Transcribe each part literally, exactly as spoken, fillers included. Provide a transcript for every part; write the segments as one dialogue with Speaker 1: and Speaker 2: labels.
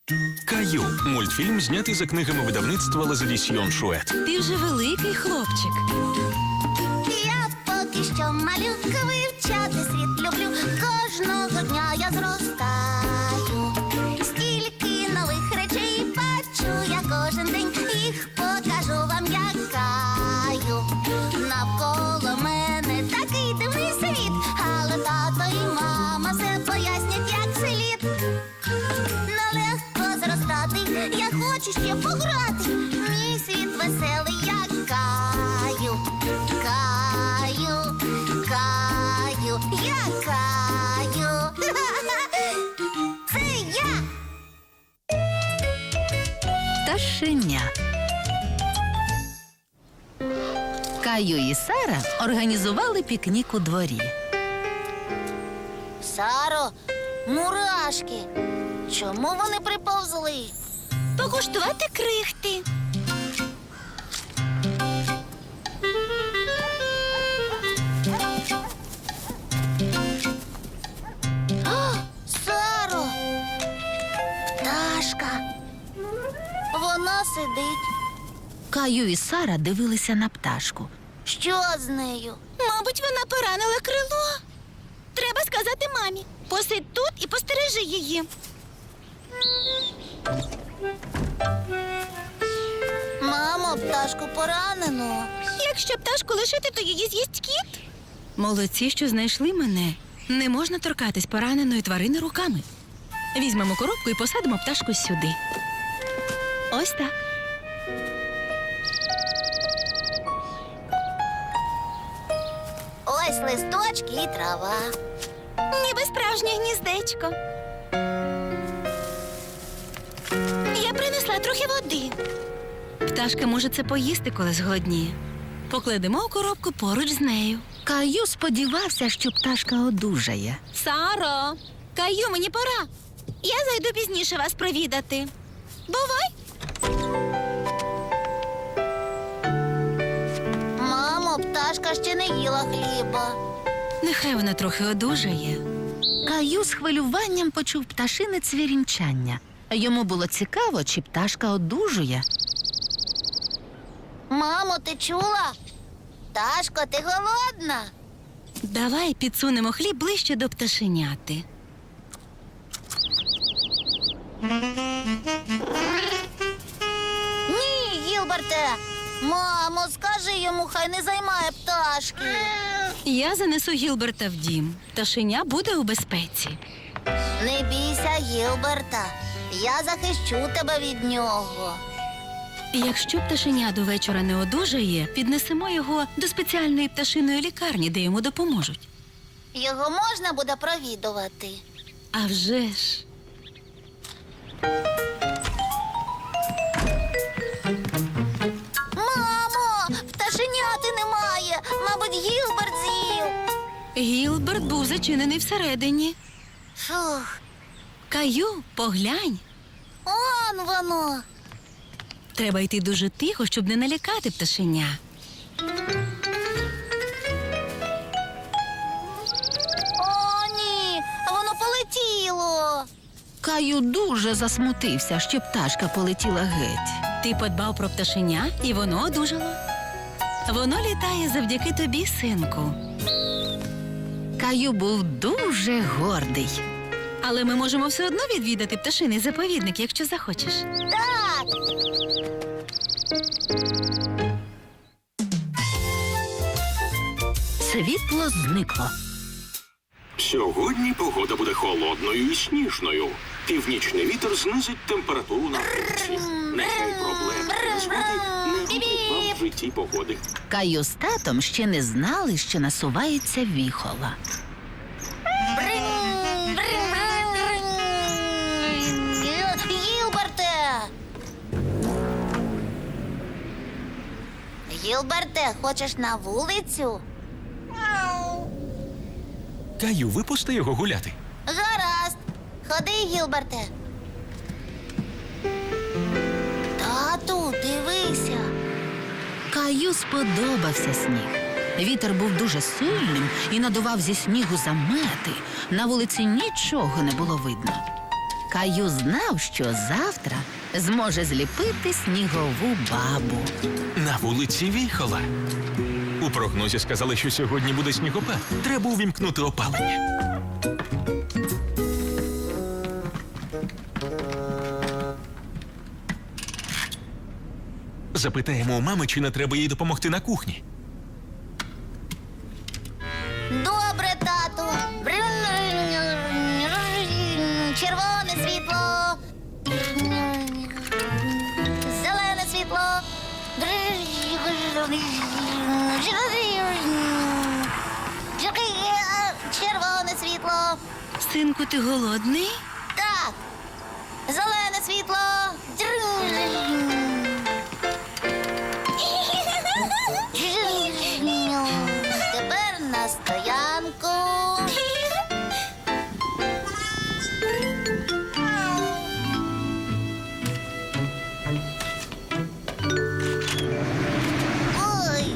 Speaker 1: Каю. Мультфільм знятий за книгами видавництва Лазадісьйон Шует.
Speaker 2: Ти вже великий хлопчик.
Speaker 3: Я поки що малютка, вивчати світ люблю. Кожного дня я зростаю. Стільки нових речей бачу я кожен день. Їх покажу вам, як Каю. Навколо мене такий дивний світ, але тато і мама все пояснять, як слід. Нелегко зростати, я хочу ще пограти. Мій світ веселий, як Каю. Каю, Каю, я Каю. Це я.
Speaker 2: Пташеня. Каю і Сара організували пікнік у дворі.
Speaker 3: Саро, мурашки. Чому вони приповзли?
Speaker 2: Покуштувати крихти.
Speaker 3: О, Саро! Пташка. Вона сидить.
Speaker 2: Каю і Сара дивилися на пташку.
Speaker 3: Що з нею?
Speaker 2: Мабуть, вона поранила крило. Треба сказати мамі. Посидь тут і постережи її.
Speaker 3: Мамо, пташку поранено.
Speaker 2: Якщо пташку лишити, то її з'їсть кіт. Молодці, що знайшли мене. Не можна торкатись пораненої тварини руками. Візьмемо коробку і посадимо пташку сюди. Ось так.
Speaker 3: Ось листочки і трава.
Speaker 2: Ніби справжнє гніздечко. Я принесла трохи води. Пташка може це поїсти, коли зголодніє. Покладемо у коробку поруч з нею. Каю сподівався, що пташка одужає. Саро, Каю, мені пора. Я зайду пізніше вас провідати. Бувай.
Speaker 3: Мамо, пташка ще не їла хліба.
Speaker 2: Нехай вона трохи одужає. Каю з хвилюванням почув пташине цвірінчання. Йому було цікаво, чи пташка одужує.
Speaker 3: Мамо, ти чула? Пташко, ти голодна?
Speaker 2: Давай підсунемо хліб ближче до пташеняти.
Speaker 3: Ні, Гілберте. Мамо, скажи йому, хай не займає пташки.
Speaker 2: Я занесу Гілберта в дім. Пташеня буде у безпеці.
Speaker 3: Не бійся, Гілберта. Я захищу тебе від нього.
Speaker 2: Якщо пташеня до вечора не одужає, піднесемо його до спеціальної пташиної лікарні, де йому допоможуть.
Speaker 3: Його можна буде провідувати.
Speaker 2: А вже ж.
Speaker 3: Мамо, пташеняти немає. Мабуть, Гілберт з'їв.
Speaker 2: Гілберт був зачинений всередині.
Speaker 3: Фух,
Speaker 2: Каю, поглянь.
Speaker 3: он воно.
Speaker 2: Треба йти дуже тихо, щоб не налякати пташеня.
Speaker 3: О, ні, воно полетіло.
Speaker 2: Каю дуже засмутився, що пташка полетіла геть. Ти подбав про пташеня, і воно одужало. Воно літає завдяки тобі, синку. Каю був дуже гордий. Але ми можемо все одно відвідати пташиний заповідник, якщо захочеш.
Speaker 3: Так.
Speaker 2: Світло зникло.
Speaker 4: Сьогодні погода буде холодною і сніжною. Північний вітер знизить температуру на вулиці. Нехай проблем та незгоди не робить вам в житті погоди.
Speaker 2: Каю з татом ще не знали, що насувається віхола.
Speaker 3: Бринь, бринь, бринь, бринь. Гі- Гілберте! Гілберте, хочеш на вулицю?
Speaker 1: Каю, випусти його гуляти.
Speaker 3: Гаразд. Ходи, Гілберте. Тату, дивися.
Speaker 2: Каю сподобався сніг. Вітер був дуже сильним і надував зі снігу замети. На вулиці нічого не було видно. Каю знав, що завтра зможе зліпити снігову бабу.
Speaker 1: На вулиці віхола. У прогнозі сказали, що сьогодні буде снігопад. Треба увімкнути опалення. Запитаємо у мами, чи не треба їй допомогти на кухні.
Speaker 3: Добре, тату. Червоне світло. Зелене світло. Червоне світло.
Speaker 2: Синку, ти голодний?
Speaker 3: Так. Зелене світло. Тепер на стоянку. Ой,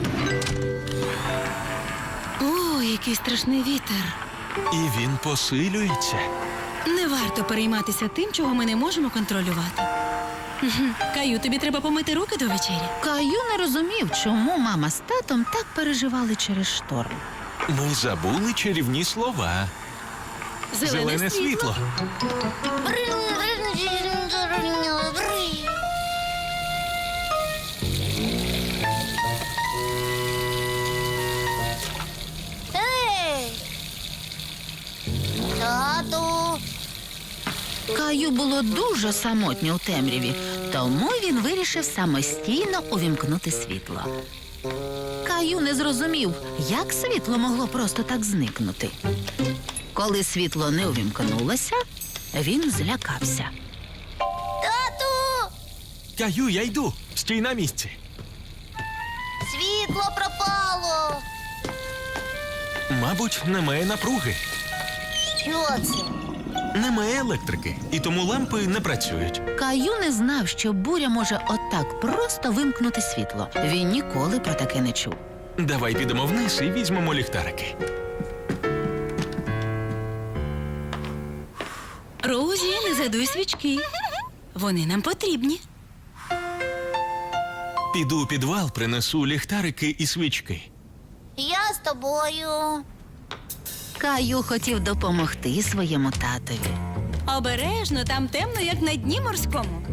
Speaker 2: О, який страшний вітер.
Speaker 1: І він посилюється.
Speaker 2: Не варто перейматися тим, чого ми не можемо контролювати. Мгм. Каю, тобі треба помити руки до вечері. Каю не розумів, чому мама з татом так переживали через шторм.
Speaker 1: Ми забули чарівні слова. Зелене світло.
Speaker 3: Ей! Тату!
Speaker 2: Каю було дуже самотньо у темряві, тому він вирішив самостійно увімкнути світло. Каю не зрозумів, як світло могло просто так зникнути. Коли світло не увімкнулося, він злякався.
Speaker 3: Тату!
Speaker 1: Каю, я йду. Стій на місці.
Speaker 3: Світло пропало!
Speaker 1: Мабуть, немає напруги.
Speaker 3: Що це?
Speaker 1: Немає електрики, і тому лампи не працюють.
Speaker 2: Каю не знав, що буря може отак просто вимкнути світло. Він ніколи про таке не чув.
Speaker 1: Давай підемо вниз і візьмемо ліхтарики.
Speaker 2: Роузі, не задуй свічки. Вони нам потрібні.
Speaker 1: Піду у підвал, принесу ліхтарики і свічки.
Speaker 3: Я з тобою.
Speaker 2: Каю хотів допомогти своєму татові. Обережно, там темно, як на дні морському.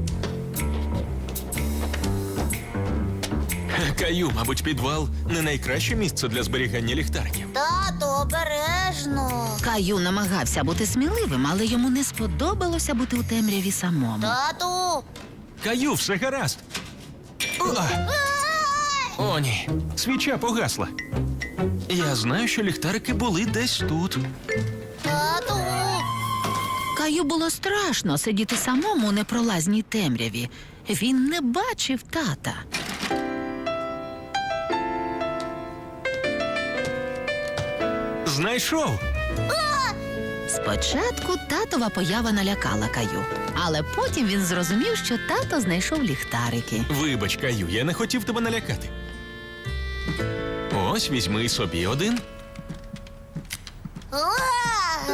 Speaker 1: Каю, мабуть, підвал не найкраще місце для зберігання ліхтариків.
Speaker 3: Тату, обережно.
Speaker 2: Каю намагався бути сміливим, але йому не сподобалося бути у темряві самому.
Speaker 3: Тату!
Speaker 1: Каю, все гаразд. О, О ні, свіча погасла. Я знаю, що ліхтарики були десь тут.
Speaker 3: Тату!
Speaker 2: Каю було страшно сидіти самому у непролазній темряві. Він не бачив тата.
Speaker 1: Знайшов.
Speaker 2: Спочатку татова поява налякала Каю, але потім він зрозумів, що тато знайшов ліхтарики.
Speaker 1: Вибач, Каю, я не хотів тебе налякати. Ось візьми собі один.
Speaker 3: Уа!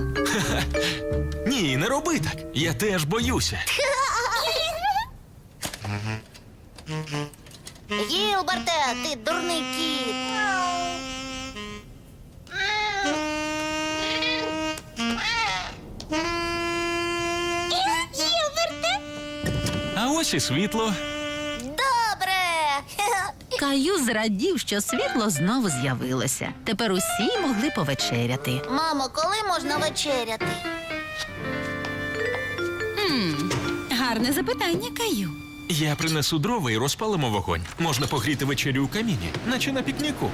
Speaker 1: Ні, не роби так. Я теж боюся.
Speaker 3: Гілберте, ти дурний кіт. Гілберте?
Speaker 1: А ось і світло.
Speaker 3: Добре.
Speaker 2: Каю зрадів, що світло знову з'явилося. Тепер усі могли повечеряти.
Speaker 3: Мамо, коли можна вечеряти?
Speaker 2: Гарне запитання, Каю.
Speaker 1: Я принесу дрова і розпалимо вогонь. Можна погріти вечерю у каміні, наче на пікніку.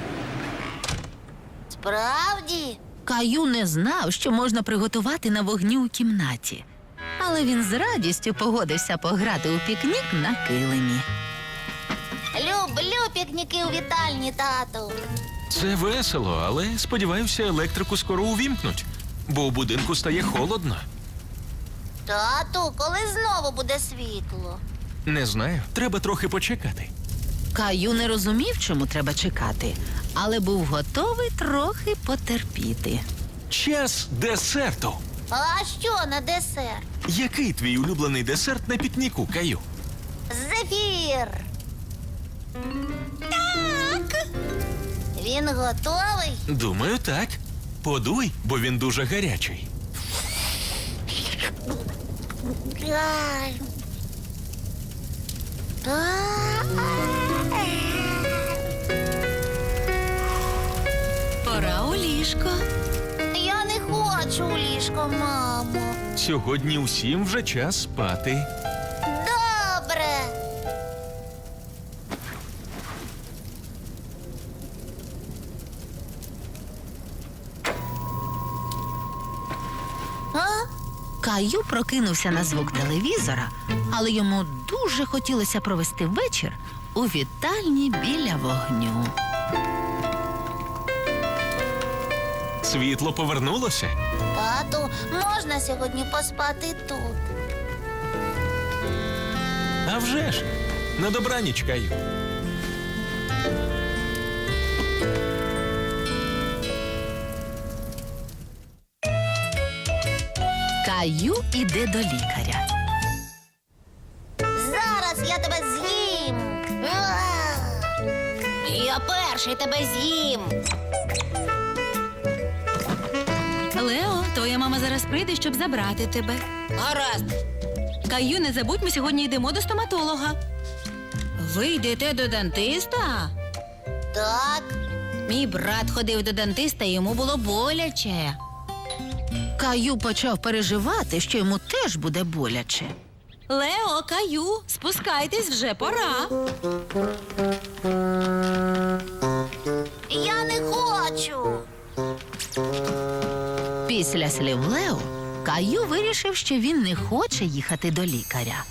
Speaker 3: Справді?
Speaker 2: Каю не знав, що можна приготувати на вогні у кімнаті. Але він з радістю погодився пограти у пікнік на килимі.
Speaker 3: Люблю пікніки у вітальні, тату.
Speaker 1: Це весело, але сподіваюся, електрику скоро увімкнуть, бо у будинку стає холодно.
Speaker 3: Тату, коли знову буде світло?
Speaker 1: Не знаю, треба трохи почекати.
Speaker 2: Каю не розумів, чому треба чекати, але був готовий трохи потерпіти.
Speaker 1: Час десерту.
Speaker 3: А що на десерт?
Speaker 1: Який твій улюблений десерт на пікніку, Каю?
Speaker 3: Зефір. Так. Він готовий?
Speaker 1: Думаю, так. Подуй, бо він дуже гарячий.
Speaker 3: Ай.
Speaker 2: Пора у ліжко.
Speaker 3: Я не хочу у ліжко, мамо.
Speaker 1: Сьогодні усім вже час спати.
Speaker 3: Добре. А?
Speaker 2: Каю прокинувся на звук телевізора, але йому дуже хотілося провести вечір у вітальні біля вогню.
Speaker 1: Світло повернулося.
Speaker 3: Тату, можна сьогодні поспати тут?
Speaker 1: А вже ж. На добраніч, Каю.
Speaker 2: Каю іде до лікаря.
Speaker 3: Зараз я тебе з'їм. Уah! Я перший тебе з'їм.
Speaker 2: Лео, твоя мама зараз прийде, щоб забрати тебе.
Speaker 3: Гаразд.
Speaker 2: Каю, не забудь, ми сьогодні йдемо до стоматолога. Ви йдете до дантиста?
Speaker 3: Так.
Speaker 2: Мій брат ходив до дантиста, і йому було боляче. Каю почав переживати, що йому теж буде боляче. Лео, Каю, спускайтесь, вже пора.
Speaker 3: Я не хочу.
Speaker 2: Після слів Лео, Каю вирішив, що він не хоче їхати до лікаря.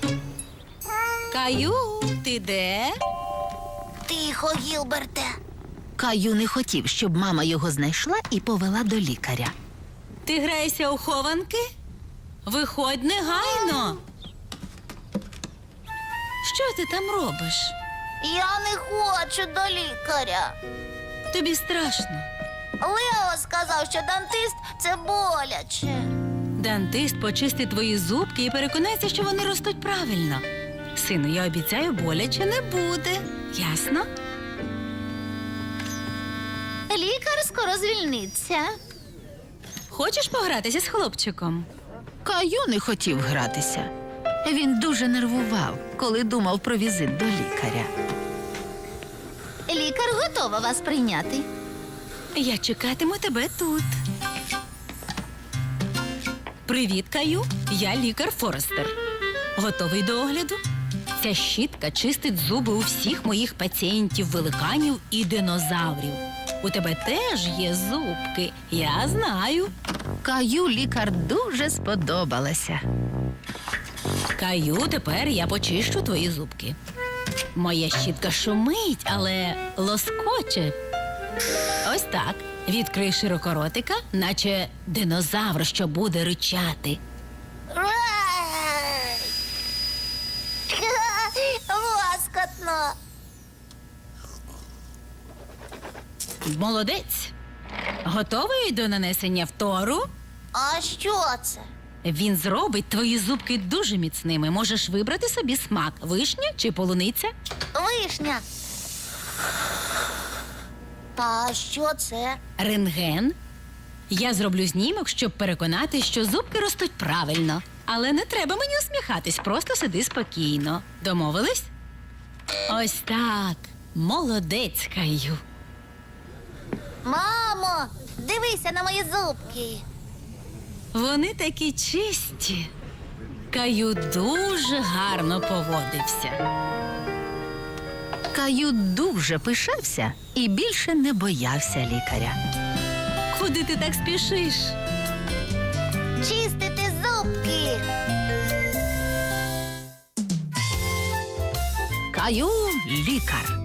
Speaker 2: Каю, ти де?
Speaker 3: Тихо, Гілберте.
Speaker 2: Каю не хотів, щоб мама його знайшла і повела до лікаря. Ти граєшся у хованки? Виходь негайно. Що ти там робиш?
Speaker 3: Я не хочу до лікаря.
Speaker 2: Тобі страшно.
Speaker 3: Лео сказав, що дантист – це боляче.
Speaker 2: Дантист почистить твої зубки і переконається, що вони ростуть правильно. Сину, я обіцяю, боляче не буде. Ясно?
Speaker 3: Лікар скоро звільниться.
Speaker 2: Хочеш погратися з хлопчиком? Каю не хотів гратися. Він дуже нервував, коли думав про візит до лікаря.
Speaker 3: Лікар готова вас прийняти.
Speaker 2: Я чекатиму тебе тут. Привіт, Каю. Я лікар Форестер. Готовий до огляду? Ця щітка чистить зуби у всіх моїх пацієнтів, великанів і динозаврів. У тебе теж є зубки, я знаю. Каю лікар дуже сподобалася. Каю, тепер я почищу твої зубки. Моя щітка шумить, але лоскоче. Ось так. Відкрий широко ротика, наче динозавр, що буде ричати.
Speaker 3: Лоскотно.
Speaker 2: Молодець. Готовий до нанесення втору?
Speaker 3: А що це?
Speaker 2: Він зробить твої зубки дуже міцними. Можеш вибрати собі смак – вишня чи полуниця.
Speaker 3: Вишня. Та що це?
Speaker 2: Рентген. Я зроблю знімок, щоб переконати, що зубки ростуть правильно. Але не треба мені усміхатись, просто сиди спокійно. Домовились? Ось так. Молодець, Каю.
Speaker 3: Мамо, дивися на мої зубки.
Speaker 2: Вони такі чисті. Каю дуже гарно поводився. Каю дуже пишався і більше не боявся лікаря. Куди ти так спішиш?
Speaker 3: Чистити зубки.
Speaker 2: Каю лікар.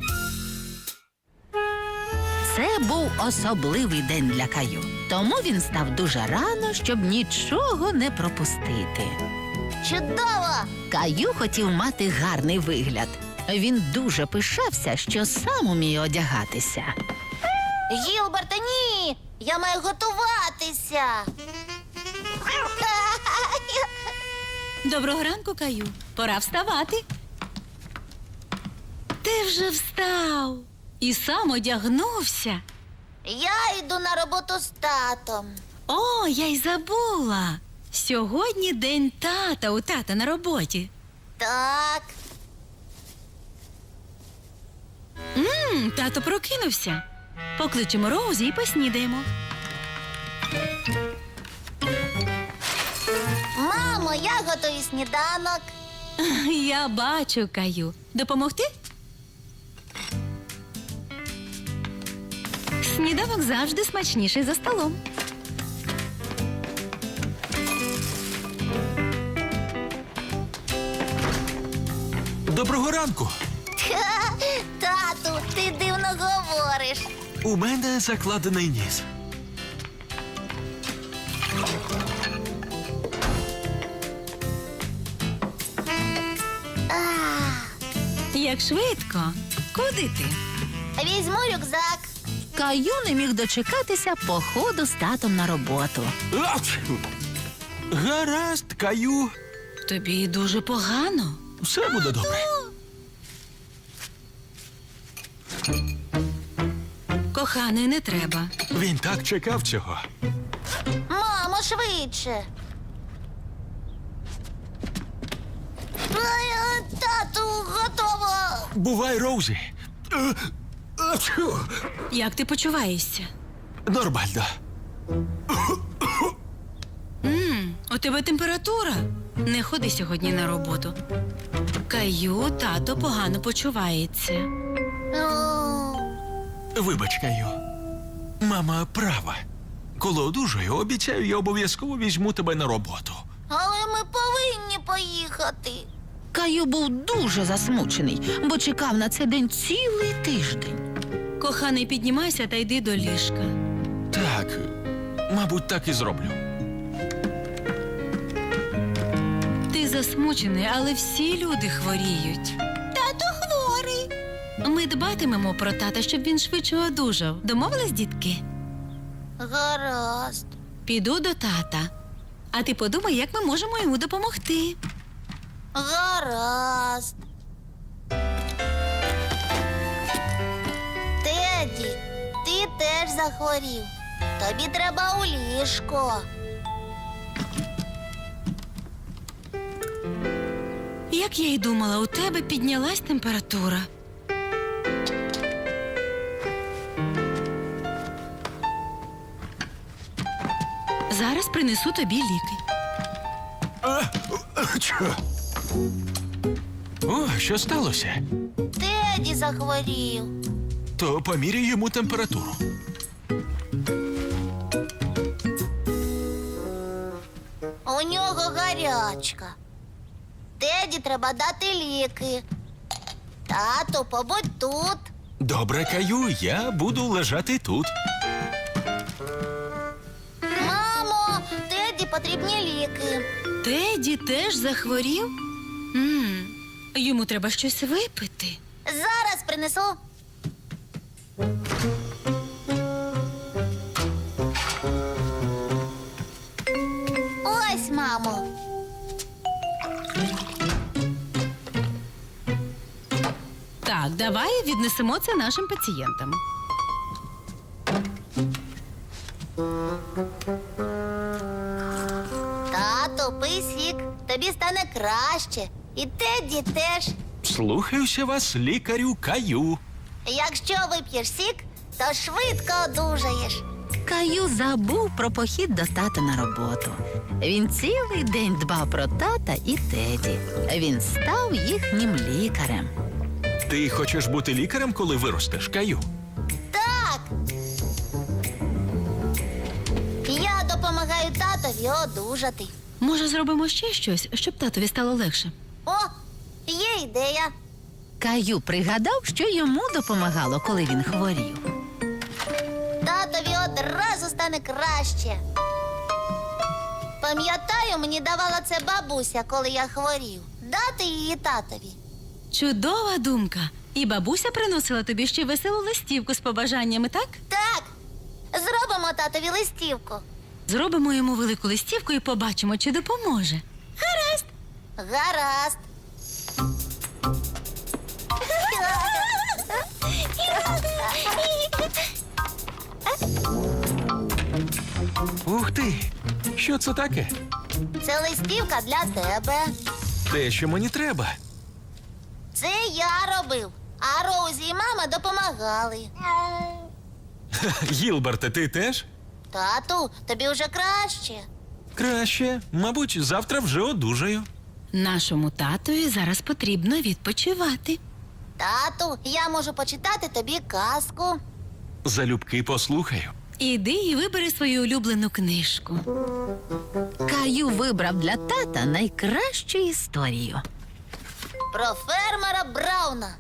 Speaker 2: Це був особливий день для Каю. Тому він став дуже рано, щоб нічого не пропустити.
Speaker 3: Чудово!
Speaker 2: Каю хотів мати гарний вигляд. Він дуже пишався, що сам уміє одягатися.
Speaker 3: Гілберте, ні! Я маю готуватися.
Speaker 2: Доброго ранку, Каю. Пора вставати. Ти вже встав і сам одягнувся.
Speaker 3: Я йду на роботу з татом.
Speaker 2: О, я й забула. Сьогодні день тата у тата на роботі.
Speaker 3: Так.
Speaker 2: Мм, тато прокинувся. Покличемо Роузі і поснідаємо.
Speaker 3: Мамо, я готую сніданок.
Speaker 2: Я бачу, Каю. Допомогти? Сніданок завжди смачніший за столом.
Speaker 1: Доброго ранку.
Speaker 3: Тату, ти дивно говориш.
Speaker 1: У мене закладений ніс.
Speaker 2: Як швидко. Куди ти?
Speaker 3: Візьму рюкзак.
Speaker 2: Каю не міг дочекатися походу з татом на роботу.
Speaker 1: Ач! Гаразд, Каю.
Speaker 2: Тобі дуже погано.
Speaker 1: Все буде добре.
Speaker 2: Коханий, не треба.
Speaker 1: Він так чекав цього.
Speaker 3: Мамо, швидше. Ой, тату, готово.
Speaker 1: Бувай, Роузі. Е, ачу!
Speaker 2: Як ти почуваєшся?
Speaker 1: Нормально.
Speaker 2: Мм, у тебе температура. Не ходи сьогодні на роботу. Каю, тато погано почувається.
Speaker 3: О,
Speaker 1: Вибач, Каю. Мама права. Коли одужаю, обіцяю, я обов'язково візьму тебе на роботу.
Speaker 3: але ми повинні поїхати.
Speaker 5: Каю був дуже засмучений, бо чекав на цей день цілий тиждень.
Speaker 2: Коханий, піднімайся та йди до ліжка.
Speaker 1: Так, мабуть, так і зроблю.
Speaker 2: Ти засмучений, але всі люди хворіють.
Speaker 3: Тато хворий.
Speaker 2: Ми дбатимемо про тата, щоб він швидше одужав. Домовились, дітки?
Speaker 3: Гаразд.
Speaker 2: Піду до тата. А ти подумай, як ми можемо йому допомогти.
Speaker 3: Гаразд. Теді, ти теж захворів. Тобі треба у ліжко.
Speaker 2: Як я й думала, у тебе піднялась температура. Зараз принесу тобі ліки.
Speaker 1: Ачу! О, що сталося?
Speaker 3: Теді захворів.
Speaker 1: То поміряй йому температуру.
Speaker 3: У нього гарячка. Теді треба дати ліки. Тату, побудь тут.
Speaker 1: Добре, Каю, я буду лежати тут.
Speaker 3: Мамо, Теді потрібні ліки.
Speaker 2: Теді теж захворів? М, Йому треба щось випити.
Speaker 3: Зараз принесу. Ось, мамо.
Speaker 2: Так, давай віднесемо це нашим пацієнтам.
Speaker 3: Тату, пий сік. Тобі стане краще. І Теді теж.
Speaker 1: Слухаюся вас, лікарю Каю.
Speaker 3: Якщо вип'єш сік, то швидко одужаєш.
Speaker 5: Каю забув про похід до тата на роботу. Він цілий день дбав про тата і Теді. Він став їхнім лікарем.
Speaker 1: Ти хочеш бути лікарем, коли виростеш, Каю?
Speaker 3: Так. Я допомагаю татові одужати.
Speaker 2: Може, зробимо ще щось, щоб татові стало легше?
Speaker 3: О, є ідея.
Speaker 5: Каю пригадав, що йому допомагало, коли він хворів.
Speaker 3: Татові одразу стане краще. Пам'ятаю, мені давала це бабуся, коли я хворів. Дати її татові.
Speaker 2: Чудова думка. І бабуся приносила тобі ще веселу листівку з побажаннями, так?
Speaker 3: Так, зробимо татові листівку.
Speaker 2: Зробимо йому велику листівку і побачимо, чи допоможе. Гаразд.
Speaker 3: Гаразд.
Speaker 1: Ух ти! Що це таке?
Speaker 3: Це листівка для тебе.
Speaker 1: Те, що мені треба.
Speaker 3: Це я робив, а Роузі і мама допомагали.
Speaker 1: Гілберте, ти теж?
Speaker 3: Тату, тобі вже краще.
Speaker 1: Краще. Мабуть, завтра вже одужаю.
Speaker 2: Нашому татові зараз потрібно відпочивати.
Speaker 3: Тату, я можу почитати тобі казку.
Speaker 1: Залюбки послухаю.
Speaker 2: Іди і вибери свою улюблену книжку.
Speaker 5: Каю вибрав для тата найкращу історію.
Speaker 3: Про фермера Брауна.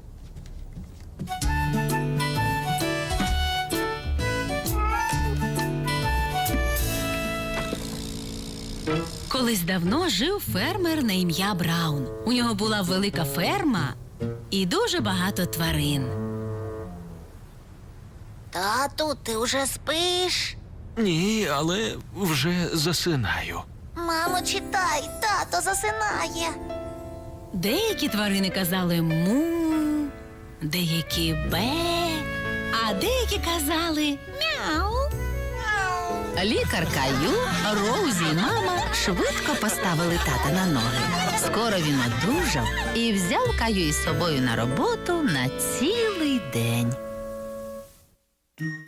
Speaker 2: Колись давно жив фермер на ім'я Браун. У нього була велика ферма і дуже багато тварин.
Speaker 3: Тату, ти вже спиш?
Speaker 1: Ні, але вже засинаю.
Speaker 3: Мамо, читай, тато засинає.
Speaker 2: Деякі тварини казали му, деякі бе, а деякі казали мяу.
Speaker 5: Лікар Каю, Роузі і мама швидко поставили тата на ноги. Скоро він одужав і взяв Каю із собою на роботу на цілий день.